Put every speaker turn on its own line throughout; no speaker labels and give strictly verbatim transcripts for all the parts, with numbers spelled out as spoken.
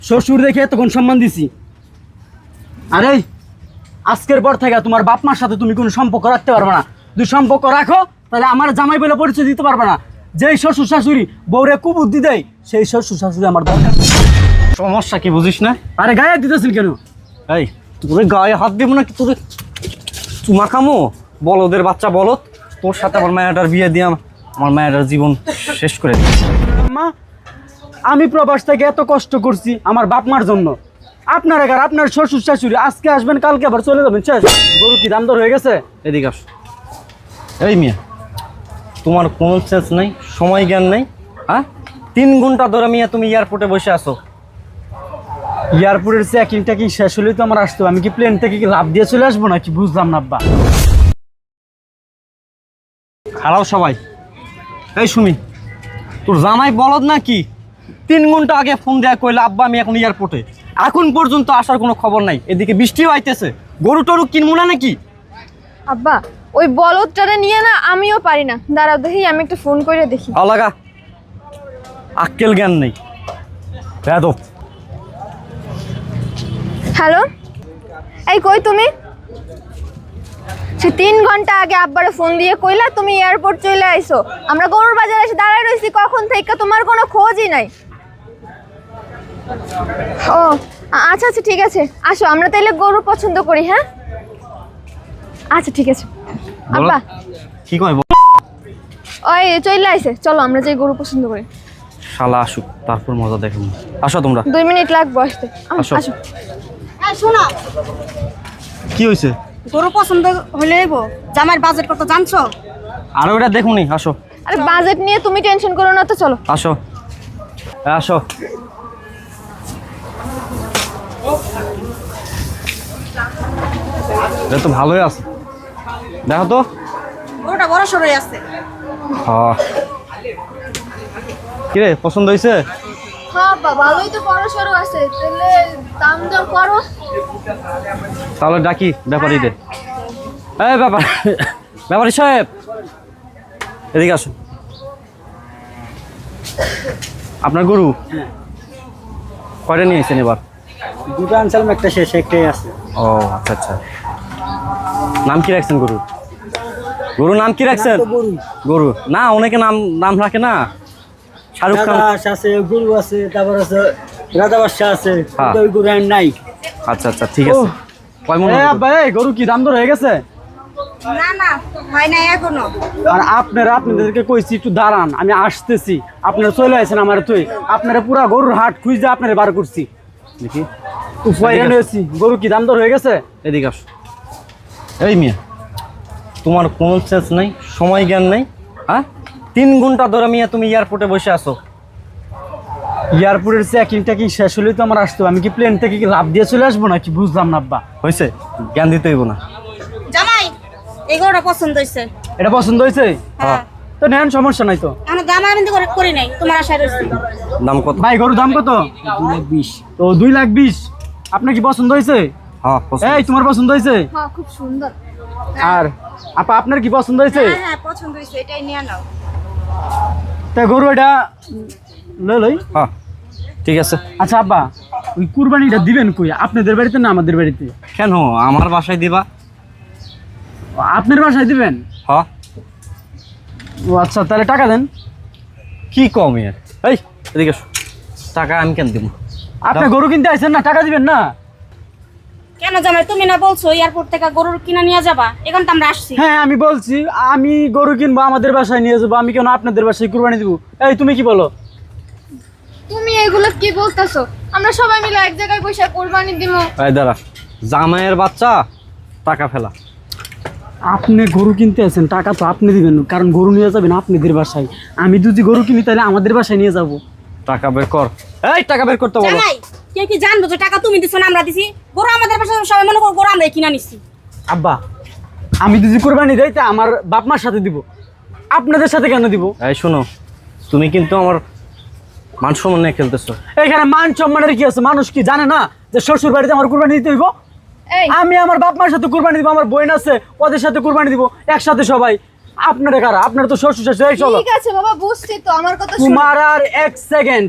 শ্বশুর দেখে তখন সম্মান দিছি। আরে আজকের পর থেকে তোমার বাপ মার সাথে তুমি কোনো সম্পর্ক রাখতে পারবে না। যদি সম্পর্ক রাখো তাহলে আমার জামাই বলে পরিচয় দিতে পারবে না। যেই শ্বশুর শাশুড়ি বউরে কুবুদ্ধি দেয় সেই শ্বশুর শাশুড়ি আমার দরকার।
সমস্যা কি বুঝিস না?
আরে গায়ে দিতেছেন কেন?
এই তোর গায়ে হাত দিব না কি তোর চুমা খামো? বলদের বাচ্চা বলদ, তোর সাথে আমার মায়াটার বিয়ে দিয়ে আমার মায়াটার জীবন শেষ করে দিই।
মা আমি প্রবাস থেকে এত কষ্ট করছি আমার বাপ মার জন্য। আপনার এগার আপনার শ্বশুর শাশুড়ি আজকে আসবেন কালকে আবার চলে যাবেন, শেষ। গরু কি দাম দর হয়ে গেছে?
এদিকে আস। এই মিয়া, তোমার কোনো সেন্স নেই, সময় জ্ঞান নেই। হ্যাঁ, তিন ঘন্টা ধরে মিয়া তুমি এয়ারপোর্টে বসে আছো।
এয়ারপোর্টের চেকিং টেকিং শেষ হলেই তো আমার আসতে হবে। আমি কি প্লেন থেকে কি লাভ দিয়ে চলে আসবো নাকি? বুঝলাম না আব্বা।
খারাপ সবাই। এই সুমি, তোর জামাই বলদ নাকি? তিন ঘন্টা আগে ফোন দেয়া কইলে আব্বা আমি এখন এয়ারপোর্টে, এখন পর্যন্ত আসার কোনো খবর নাই। এদিকে বৃষ্টিও আইতেছে, গরু টরু কিনবো না নাকি?
আব্বা ওই বলদটারে নিয়ে না আমিও পারি না। দাঁড়াও দেখি আমি একটা ফোন করে দেখি।
আলাগা আক্কেল জ্ঞান নেই বেয়াদব।
হ্যালো, এই কই তুমি? সে তিন ঘন্টা আগে আব্বারে ফোন দিয়ে কইলা তুমি এয়ারপোর্ট চলে আইছো। আমরা গরুর বাজারে এসে দাঁড়ায় রইছি কখন থেকে, তোমার কোনো খোঁজই নাই। ও আচ্ছা আচ্ছা ঠিক আছে, আসো আমরা তাইলে গরু পছন্দ করি। হ্যাঁ আচ্ছা ঠিক আছে। আব্বা
কি কয়
ওই চলে আইছে, চলো আমরা যাই গরু পছন্দ করি।
শালা আসুক তারপর মজা দেখুন। আসো তোমরা।
দুই মিনিট লাগবে আসতে।
আসো।
আসো।
হ্যাঁ শোনো,
কি হয়েছে?
গরু পছন্দ হলে হইব, জামাইয়ের বাজেট কত জানছো?
আর ওটা দেখুনি। আসো
আরে বাজেট নিয়ে তুমি টেনশন করো না তো, চলো।
আসো আসো। এটা তো ভালোই আছে, দেখো তো।
গরুটা বড় সরই আছে।
হ্যাঁ, কিরে পছন্দ হয়েছে?
হ্যাঁ বাবা ভালোই তো বড় সরো আছে, তাহলে দাম দর করো।
তাহলে ডাকি ব্যাপারী দে। এই ব্যাপার ব্যাপারী সাহেব এদিকে আসুন। আপনার গরু কয়টা নিয়েছেন এবার?
দুটো আনসালাম, একটা শেষ, একটাই আছে।
ও আচ্ছা আচ্ছা। নাম কি রাখছেন গরু? গরু নাম কি রাখছেন?
গরু
গরু না, অনেকে নাম নাম রাখে না। শাহরুখ খান
আছে, গরু আছে, তারপর আছে রাজা বাদশা আছে।
হ্যাঁ।
ওই গরু আর নাই।
আচ্ছা আচ্ছা ঠিক আছে। কয় মন
এ
হবে?
আব্বা, এই গরু কি দাম দর হয়ে গেছে?
না না হয় নাই এখনো।
আর আপনারা আপনাদেরকে কইছি একটু দাঁড়ান, আমি আসতেছি। আপনারা চলে আসেন আমার তুই। আপনারা পুরা গরুর হাট খুঁজে আপনারা বার করছি।
দেখি
উপায় রয়েছি। গরু কি দাম দর হয়ে গেছে?
এদিকে আস। এই মিয়া, তোমার কোনো সেন্স নেই, সময় জ্ঞান নেই। হ্যাঁ, তিন ঘন্টা ধরে মিয়া তুমি এয়ারপোর্টে বসে আছো।
এয়ারপোর্টের চেকিং টেকিং শেষ হলেই তো আমার আসতে হবে। আমি কি প্লেন থেকে কি লাভ দিয়ে চলে আসবো নাকি? বুঝলাম না আব্বা।
হয়েছে, জ্ঞান দিতে হইব না।
জামাই এই গরুটা পছন্দ হয়েছে।
এটা পছন্দ হয়েছে?
হ্যাঁ
তো নেন, সমস্যা নাই তো।
আমি দাম আমি করে করি নাই, তোমার আশায় রয়েছে।
দাম কত?
ভাই গরুর দাম কত? দুই লাখ বিশ। তো দুই লাখ বিশ। আপনার কি পছন্দ হয়েছে?
হ্যাঁ পছন্দ।
এই তোমার পছন্দ হয়েছে?
হ্যাঁ খুব সুন্দর।
আর আপা আপনার কি পছন্দ হয়েছে?
হ্যাঁ হ্যাঁ পছন্দ হয়েছে, এটাই নিয়ে নাও।
তা গরু এটা লই লই।
হ্যাঁ ঠিক আছে।
আচ্ছা আব্বা, ওই কুরবানিটা দিবেন কই? আপনাদের বাড়িতে না আমাদের বাড়িতে?
কেন আমার বাসায় দিবা?
আপনার বাসায় দিবেন?
হ্যাঁ।
ও আচ্ছা, তাহলে টাকা দেন।
কি কম ইয়ার? এই এদিকে এসো। টাকা আমি কেন দিব?
আপনি গরু কিনতে আইছেন না, টাকা দিবেন না?
কেন জামাই তুমি না বলছো এয়ারপোর্ট থেকে গরুর কিনা নিয়ে যাবা? এখন তো আমরা আসছি।
হ্যাঁ আমি বলছি আমি গরু কিনবো, আমাদের বাসায় নিয়ে যাবো। আমি কেন আপনাদের বাসায় কুরবানি দিব? এই তুমি কি বলো?
তুমি এগুলো কি বলতেছো? আমরা সবাই মিলে এক জায়গায় বসে কোরবানি দিব।
এই দাঁড়া, জামাইয়ের বাচ্চা টাকা ফেলা।
আপনি গরু কিনতে আছেন, টাকা তো আপনি দিবেন, কারণ গরু নিয়ে যাবেন আপনাদের বাসায়। আমি যদি গরু কিনি তাহলে আমাদের বাসায় নিয়ে যাবো।
টাকা বের কর। এই টাকা বের করতে বলো।
জামাই কে কি জানবো যে টাকা তুমি দিছো না আমরা দিছি? গরু আমাদের পাশে সবাই মনে করো গরু আমরা কিনা নিছি।
আব্বা আমি যদি কোরবানি দেই তা আমার বাপ মার সাথে দিব, আপনাদের সাথে কেন দিব?
এই শোনো, তুমি কিন্তু আমার মান সম্মান নিয়ে খেলতেছো।
এখানে মান সম্মানের কি আছে? মানুষ কি জানে না যে শ্বশুর বাড়িতে আমার কুরবানি দিতে হইব?
এই
আমি আমার বাপ মার সাথে কুরবানি দিব, আমার বোন আছে ওদের সাথে কুরবানি দিব, একসাথে সবাই। আপনারা কারা? আপনারা তো শ্বশুর শাশুড়ি। এই চলো।
ঠিক আছে বাবা বুঝছি তো, আমার কথা শুনো।
তোমার আর এক সেকেন্ড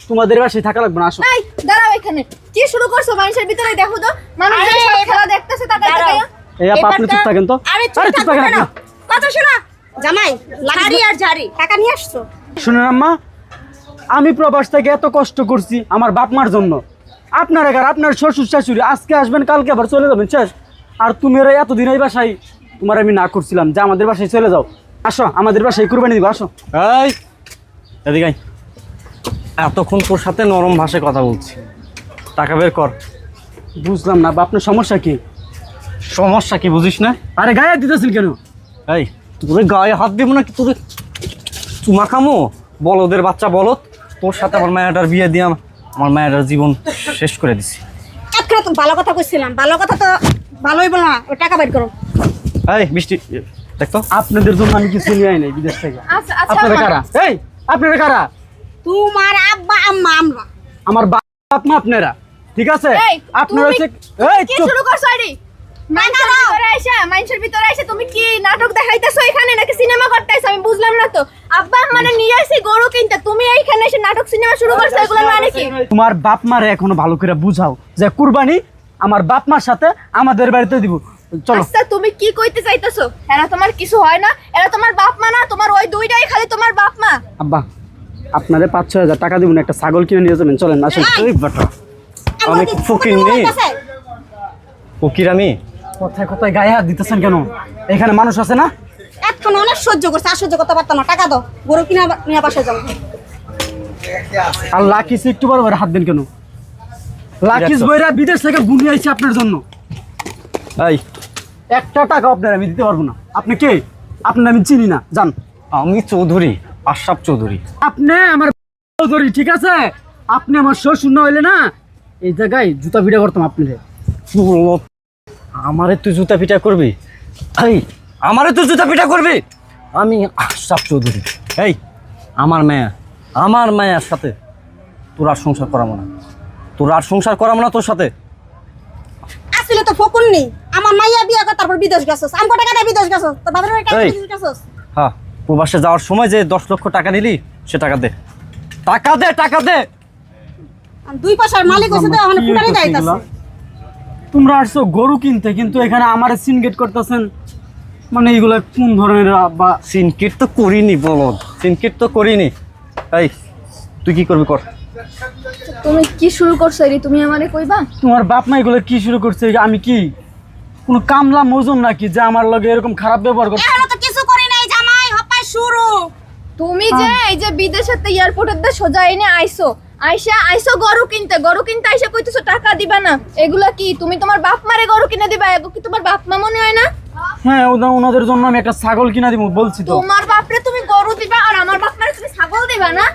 তোমাদের বাসায় থাকা লাগবে না, আসো।
এই দাঁড়াও এখানে, কি শুরু করছো মানুষের ভিতরে? দেখো তো মানুষ
আরে,
সব খেলা দেখতেছে, তাকায়
দাঁড়াও।
তাকায়।
এই আপা আপনি চুপ থাকেন তো।
আরে চুপ
আরে চুপ
থাকো
থাকেন
কেন?
আপনি।
কথা শোনা জামাই, লাড়ি আর ঝাড়ি টাকা নিয়ে আসছো।
শুনেন আম্মা, আমি প্রবাস থেকে এত কষ্ট করছি আমার বাপ মার জন্য। আপনার একার আপনার শ্বশুর শাশুড়ি আজকে আসবেন, কালকে আবার চলে যাবেন, শেষ। আর তুমি এরা এতদিন এই বাসায়, তোমার আমি না করছিলাম যে আমাদের বাসায় চলে যাও। আসো আমাদের বাসায় কুরবানি দিব, আসো।
এই এদিকে আয়। এতক্ষণ তোর সাথে নরম ভাষায় কথা বলছি, টাকা বের কর।
বুঝলাম না বা আপনার সমস্যা কি?
সমস্যা কি বুঝিস না?
আরে গায়ে দিতেছেন কেন?
এই তোর গায়ে হাত দিব না কি? তোর চুমা খামো? বলদের বাচ্চা বলদ, তোর সাথে আমার মায়াটার বিয়ে দিয়ে আম- আমার মায়াটার জীবন শেষ করে দিছি।
এতক্ষণ তো ভালো কথা কইছিলাম, ভালো কথা তো ভালোই বলো না, ওই টাকা বের করো।
এই বৃষ্টি দেখতো,
আপনাদের জন্য আমি কিছু নিয়ে আই নাই বিদেশ থেকে।
আচ্ছা আচ্ছা
আপনারা
মা।
কারা? এই আপনারা কারা?
তোমার আব্বা আম্মা আমরা।
আমার বাপ মা আপনারা, ঠিক আছে?
এই
আপনারা
তুমি
হচ্ছে এই
কি
চুপ।
শুরু করছো? আরে মানুষের ভিতরে আইসা মানুষের ভিতরে আইসা তুমি কি নাটক দেখাইতেছো এখানে, নাকি সিনেমা করতেছো? আমি বুঝলাম না তো। আব্বা মানে নিয়ে আসি গরু কিনতে, তুমি এইখানে এসে নাটক সিনেমা শুরু করছো, এগুলো মানে কি?
তোমার বাপ মারে এখনো ভালো করে বুঝাও যে কুরবানি আমার বাপ মার সাথে আমাদের বাড়িতে দিব। চলো।
আচ্ছা তুমি কি কইতে চাইতেছো? এরা তোমার কিছু হয় না? এরা তোমার বাপ মা না? তোমার ওই দুইটাই খালি তোমার বাপ মা।
আব্বা আপনারে পাঁচ ছয় হাজার টাকা দিব না, একটা ছাগল কিনে নিয়ে যাবেন, চলেন আসেন।
এই বেটা আমি
আমার
কি
কি
ফকির
কোনো
নেই?
আছে?
ফকির আমি?
কোথায় কোথায় গায়ে হাত দিতেছেন কেন? এখানে মানুষ আছে না?
এতক্ষণ অনেক সহ্য করছে, আর সহ্য করতে পারতাম না। টাকা দাও, গরু কিনা নিয়ে বাসায় যাও।
আর লাকিস একটু বড় বড় হাত দেন কেন? লাকিস বইরা বিদেশ থেকে গুনিয়ে আইছে আপনার জন্য।
এই
একটা টাকা আপনার আমি দিতে পারবো না। আপনি কে? আপনার আমি চিনি না, জান।
আমি চৌধুরী, আশরাফ চৌধুরী।
আপনি আমার চৌধুরী, ঠিক আছে? আপনি আমার শ্বশুর না হইলে না এই জায়গায় জুতা পিটা করতাম আপনারে।
আমারে তুই জুতা পিটা করবি? এই আমারে তুই জুতা পিটা করবি? আমি আশরাফ চৌধুরী। এই আমার মেয়ে, আমার মেয়ের সাথে তোর আর সংসার করাবো না, তোর আর সংসার করাবো না তোর সাথে।
আসলে তো ফকুন নেই, আমার মাইয়া বিয়া করে তারপর বিদেশ গেছস। আমি কত টাকা দিয়ে বিদেশ গেছস? তোর বাবার টাকা
এই।
দিয়ে বিদেশ গেছস?
হ্যাঁ, প্রবাসে যাওয়ার সময় যে দশ লক্ষ টাকা নিলি সে টাকা দে, টাকা দে, টাকা দে।
আর দুই পয়সার মালিক হইছে তো এখন
কি
ফুটানি
হইতাছে
যাইতাছে।
এগুলা? তোমরা আসছো গরু কিনতে, কিন্তু এখানে আমার সিনগেট করতেছেন। মানে এইগুলা কোন ধরনের বা?
সিনকিট তো করিনি বলদ, সিনকিট তো করিনি। এই তুই কি করবি কর।
তুমি কি শুরু করছো? এরি তুমি আমারে কইবা?
তোমার বাপ মা এগুলো কি শুরু করছে? আমি কি কোনো কামলা মজুম নাকি যে আমার লগে এরকম খারাপ ব্যবহার করছে?
এখনো তো কিছু করি নাই জামাই, হপাই শুরু।
তুমি যে এই যে বিদেশের তে এয়ারপোর্টের দে সোজা এনে আইছো, আইসা আইসো গরু কিনতে, গরু কিনতে আইসা কইতেছো টাকা দিবা না। এগুলা কি তুমি তোমার বাপ মারে গরু কিনে দিবা? এগো কি তোমার বাপ মা মনে হয় না?
হ্যাঁ, ওনা ওনাদের জন্য আমি একটা ছাগল কিনা দিব বলছি তো।
তোমার বাপরে তুমি গরু দিবা আর আমার বাপ মারে তুমি ছাগল দিবা না?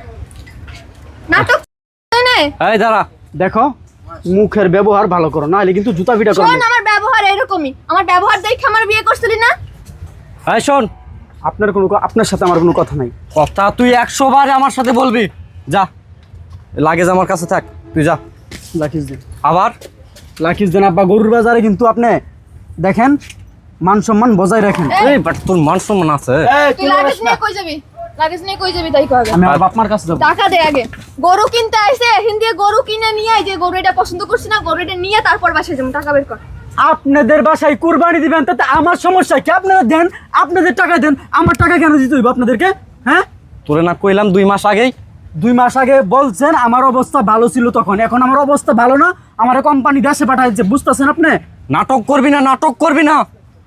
নাটক না।
এই দাঁড়া,
দেখো মুখের ব্যবহার ভালো করো, নাহলে কিন্তু জুতা পিটা করো।
শোন, আমার ব্যবহার এরকমই। আমার ব্যবহার দেখে আমার বিয়ে করছিলি না?
এই শোন,
আপনার কোনো ক- আপনার সাথে আমার কোনো কথা নাই।
কথা তুই একশো বার আমার সাথে বলবি। যা, লাগেজ আমার কাছে থাক, তুই যা।
লাকিস দেন,
আবার
লাকিস দেন। আব্বা গরুর বাজারে কিন্তু আপনি দেখেন মান সম্মান বজায় রাখেন।
এই বাট তোর মান সম্মান আছে?
তুই লাগেজ নিয়ে কই যাবি? লাগেজ নিয়ে কই যাবি তাই কও আগে।
আমি আমার বাপ মার কাছে যাবো।
টাকা দে আগে। গরু কিনতে আইছে, হিন্দি গরু কিনে নিয়ে আই, যে গরু এটা পছন্দ করছিস না, গরু এটা নিয়ে তারপর বাসায় যাবো। টাকা বের কর।
আপনাদের বাসায় কুরবানি দিবেন, তাতে আমার সমস্যা কি? আপনারা দেন, আপনাদের টাকা দেন, আমার টাকা কেন দিতে হইব আপনাদেরকে? হ্যাঁ,
তোরে না কইলাম দুই মাস আগেই?
দুই মাস আগে বলছেন আমার অবস্থা ভালো ছিল তখন, এখন আমার অবস্থা ভালো না। আমার কোম্পানি দেশে পাঠাইছে, বুঝতেছেন আপনি?
নাটক করবি না, নাটক করবি না।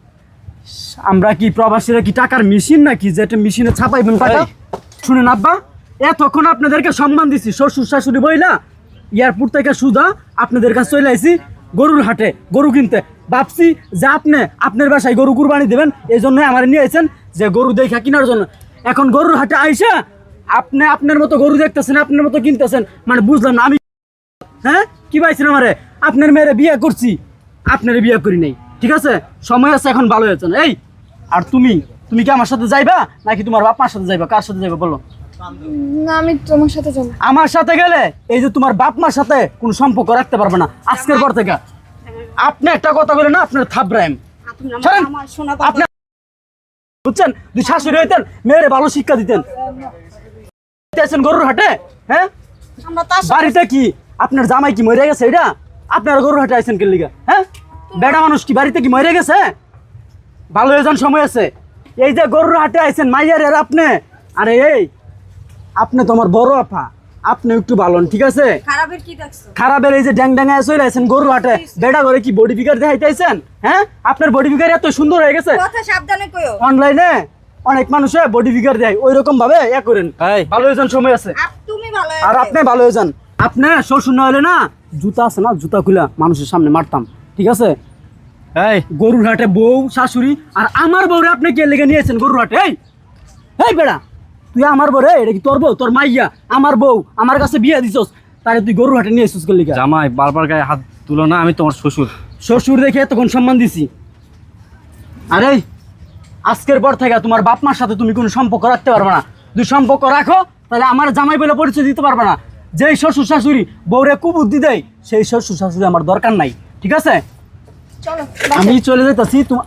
আমরা কি প্রবাসীরা কি টাকার মেশিন নাকি যে একটা মেশিনে ছাপাইবেন টাকা?
এই।
শুনেন আব্বা, এতক্ষণ আপনাদেরকে সম্মান দিছি, শ্বশুর শাশুড়ি বইলা এয়ারপোর্ট থেকে সুদা আপনাদের কাছে চলে আইছি গরুর হাটে গরু কিনতে। ভাবছি যে আপনি আপনার বাসায় গরু কুরবানি দেবেন, এই জন্য আমার নিয়ে আইছেন যে গরু দেখা কেনার জন্য। এখন গরুর হাটে আইসা আপনি আপনার মতো গরু দেখতেছেন, আপনার মতো কিনতেছেন, মানে বুঝলাম না আমি। হ্যাঁ, কি পাইছেন আমারে? আপনার মেয়েরে বিয়ে করছি, আপনার বিয়ে করি নাই, ঠিক আছে? সময় আছে, এখন ভালো হয়েছে না। এই আর তুমি তুমি কি আমার সাথে যাইবা নাকি তোমার বাপ মার সাথে যাইবা? কার সাথে যাইবা বলো?
না, আমি তোমার সাথে যাবো।
আমার সাথে গেলে এই যে তোমার বাপ মার সাথে কোনো সম্পর্ক রাখতে পারবে না আজকের পর থেকে। আপনি একটা কথা বলে না, আপনার থাবরাইম
আপনি আমার-
ছাড়েন।
আমার শোনা
আপনি বুঝছেন, দুই শাশুড়ি হইতেন, মেয়েরে ভালো শিক্ষা দিতেন। আছেন গরুর হাটে, হ্যাঁ
আমরা তো আসলে
বাড়িতে কি আপনার জামাই কি মরে গেছে এটা আপনার গরু হাটে আইছেন কে লিগা হ্যাঁ বেড়া মানুষ কি বাড়িতে কি মরে গেছে ভালো হয়ে যান সময় আছে এই যে গরুর হাটে আইছেন মাইয়ার আর আপনি আরে এই আপনি তোমার বড় আপা আপনি একটু ভালো হন, ঠিক আছে
খারাপের কি দেখছো?
খারাপের এই যে ড্যাং ড্যাঙায় চলে আইছেন গরুর হাটে বেড়া করে কি বডি ফিগার দেখাইতে আইছেন হ্যাঁ আপনার বডি ফিগার এত সুন্দর হয়ে গেছে
কথা সাবধানে কইও।
অনলাইনে অনেক মানুষে বডি ফিগার দেয় ওই রকম ভাবে ইয়া করেন
এই
ভালো হয়ে যান সময় আছে
আপ তুমি ভালো
আর
আছো।
আপনি ভালো হয়ে যান আপনি শ্বশুর না হলে না জুতা আছে না জুতা খুলা মানুষের সামনে মারতাম, ঠিক আছে
এই
গরুর হাটে বউ শাশুড়ি আর আমার বউরে আপনি কে লেগে নিয়েছেন গরুর হাটে এই এই বেড়া তুই আমার বউ রে এটা কি তোর বউ তোর মাইয়া আমার বউ আমার কাছে বিয়ে দিছস তারে তুই গরুর হাটে নিয়ে এসেছিস কে লেগে
জামাই বারবার গায়ে হাত তুলো না, আমি তোমার শ্বশুর।
শ্বশুর দেখে তখন সম্মান দিছি আরে আজকের পর থেকে তোমার বাপ মার সাথে তুমি কোনো সম্পর্ক রাখতে পারবে না যদি সম্পর্ক রাখো তাহলে আমার জামাই বলে পরিচয় দিতে পারবে না যেই শ্বশুর শাশুড়ি বউরে কুবুদ্ধি দেয় সেই শ্বশুর শাশুড়ি আমার দরকার নাই, ঠিক আছে
চলো
আমি চলে যাইতাছি তোমার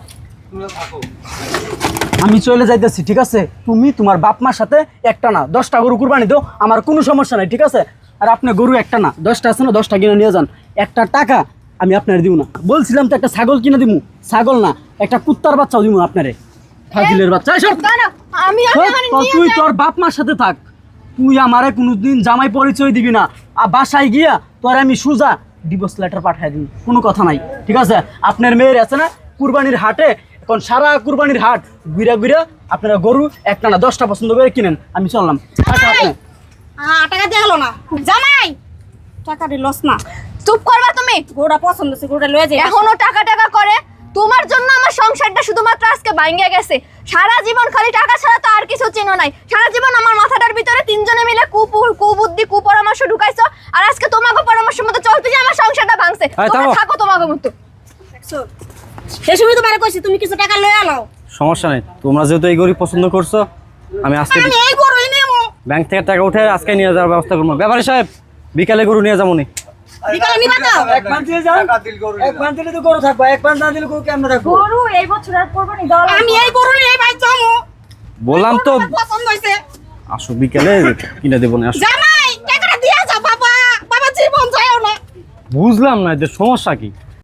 আমি চলে যাইতেছি, ঠিক আছে তুমি তোমার বাপ মার সাথে একটা না দশটা গরু কুরবানি দাও আমার কোনো সমস্যা নাই, ঠিক আছে আর আপনি গরু একটা না দশটা আছে না দশটা কিনে নিয়ে যান একটা টাকা আমি আপনার দিব না বলছিলাম তো একটা ছাগল কিনে দিব ছাগল না একটা কুত্তার বাচ্চাও দিব আপনারে ফাজিলের বাচ্চা এই সর।
দাঁড়া, আমি আমি
হ্যাঁ,
আমার
তো
নিয়ে
তুই
যাই।
তোর বাপ মার সাথে থাক তুই আমারে কোনোদিন জামাই পরিচয় দিবি না আর বাসায় গিয়া তোর আমি সুজা ডিভোর্স লেটার পাঠাই দিবি কোনো কথা নাই, ঠিক আছে আপনার মেয়ের আছে না কুরবানির হাটে এখন সারা কুরবানির হাট ঘুরা ঘুরা আপনারা গরু একটা না দশটা পছন্দ করে কিনেন আমি চললাম টাকা আপনি
আ, টাকা দিয়ে গেল না জামাই টাকা দিয়ে লস না
চুপ করবা তুমি
গরুটা পছন্দ হচ্ছে গরুটা লয়ে যাই
এখনো টাকা টাকা করে তোমার জন্য আমার সংসারটা শুধুমাত্র আজকে ভাঙিয়ে গেছে সারা জীবন খালি টাকা ছাড়া তো আর কিছু চিনো নাই সারা জীবন আমার মাথাটার ভিতরে তিনজনে মিলে কুপুর কুবুদ্ধি কুপরামর্শ ঢুকাইছো আর আজকে তোমাকে পরামর্শ মতো চলতে যে আমার সংসারটা ভাঙছে
এই,
তোমরা
থামো।
থাকো তোমাকে মতো
দেখছো সেই সময় তোমারে কইছি তুমি কিছু টাকা লয়ে আলো
সমস্যা নেই, তোমরা যেহেতু এই গরু পছন্দ করছো আমি আজকে
আমি এই গরুই নেবো
ব্যাংক থেকে টাকা উঠে আজকে নিয়ে যাওয়ার ব্যবস্থা করবো। ব্যাপারী সাহেব বিকালে গরু নিয়ে যাবো নি।
বিকালে নিবা তো
এক পান দিয়ে যান এক পান দিলে তো গরু থাকবে এক পান না দিলে গরু কেমন রাখবো
গরু এই বছর আর কোরবানি দাও
আমি এই গরু নিয়ে ভাই যাবো
বললাম তো
পছন্দ হইছে
আসো বিকালে কিনে দেবো না আসো।
জামাই টাকাটা দিয়া যাও বাবা বাবা জীবন যায়ও না
বুঝলাম না এদের সমস্যা কি।